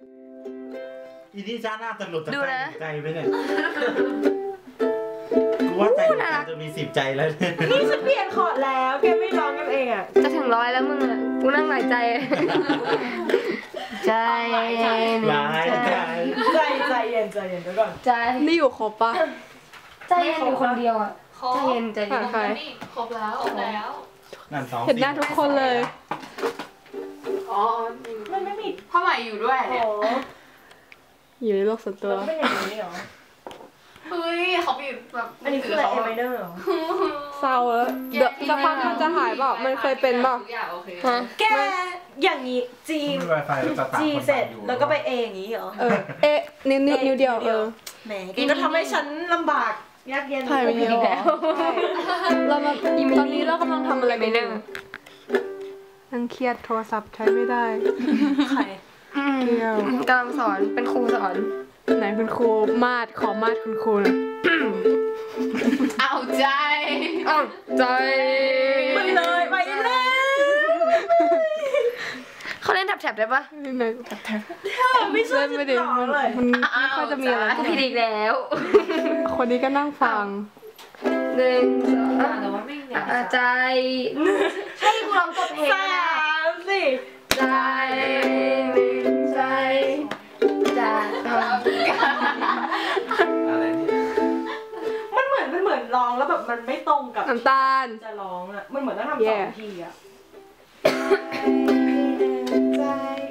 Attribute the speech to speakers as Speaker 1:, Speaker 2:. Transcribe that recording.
Speaker 1: อีนี่จ้าหน้าตลกจะใจไปเนี่ยกูว่าใจจะมี10 ใจแล้ว
Speaker 2: นี่ฉันเปลี่ยนคอร์ดแล้วแกไม่ร้องกันเองอ่ะ
Speaker 3: จะถึง100แล้วมึงอ่ะกูนั่งหลายใจใจ
Speaker 2: เย็นไปก่อน
Speaker 3: ใจ
Speaker 4: นี่อยู่ครบปะ
Speaker 3: ใจเย็นอยู่คนเดียวอ่ะใจเย็น
Speaker 5: ครบแล้ว
Speaker 4: เห็นหน้าทุกคนเลย
Speaker 2: อ๋อมันไม่มี
Speaker 5: พ่อใหม่อยู่ด้วย
Speaker 4: อยู่ในโลกส่วนตัว
Speaker 2: เป็นอย่างนี้เหรอ
Speaker 5: เฮ้ยเขามีแบบ
Speaker 2: อันนี้คืออะไรเอเมเดอร์เหรอ
Speaker 4: เศร้าแล้วเดี๋ยวสักพักมันจะหายเปล่ามันเคยเป็นเปล่า
Speaker 2: แกอย่างนี้จีเสร็จแล้วก็ไปเออย่างนี้เหรอ
Speaker 4: นิ้วเดียว
Speaker 2: แหมแกก็ทำให้ฉันลำบากยากเย็น
Speaker 4: ถ่ายไปเยอะเรามาตอนนี้เรากำลังทำอะไรไม่ได้นั่งเครียดโทรศัพท์ใช้ไม่ได้
Speaker 2: ใคร
Speaker 4: เกี่ยว
Speaker 3: กำลังสอนเป็นครูสอน
Speaker 4: ไหนคุณครูมาดขอมาดคุณครูนะ
Speaker 5: เอาใจ
Speaker 2: ไปเลย
Speaker 3: เขาเล่นแท็บได้ปะ
Speaker 4: แท็บไม่ใช่ไม่ได้มันไม่ค่อยจะมีอะไร
Speaker 3: กูผิดอีกแล้ว
Speaker 4: คนนี้ก็นั่งฟัง
Speaker 3: 1 2ใจให้กูร้องจบเพลง
Speaker 2: 3 4
Speaker 3: ใจ
Speaker 1: อะไรเนี่ย
Speaker 2: มันเหมือนร้องแล้วแบบมันไม่ตรงกับ
Speaker 4: น้ำตาล
Speaker 2: จะร้องอ่ะมันเหมือนต้องทำ2 ทีอ่ะใจ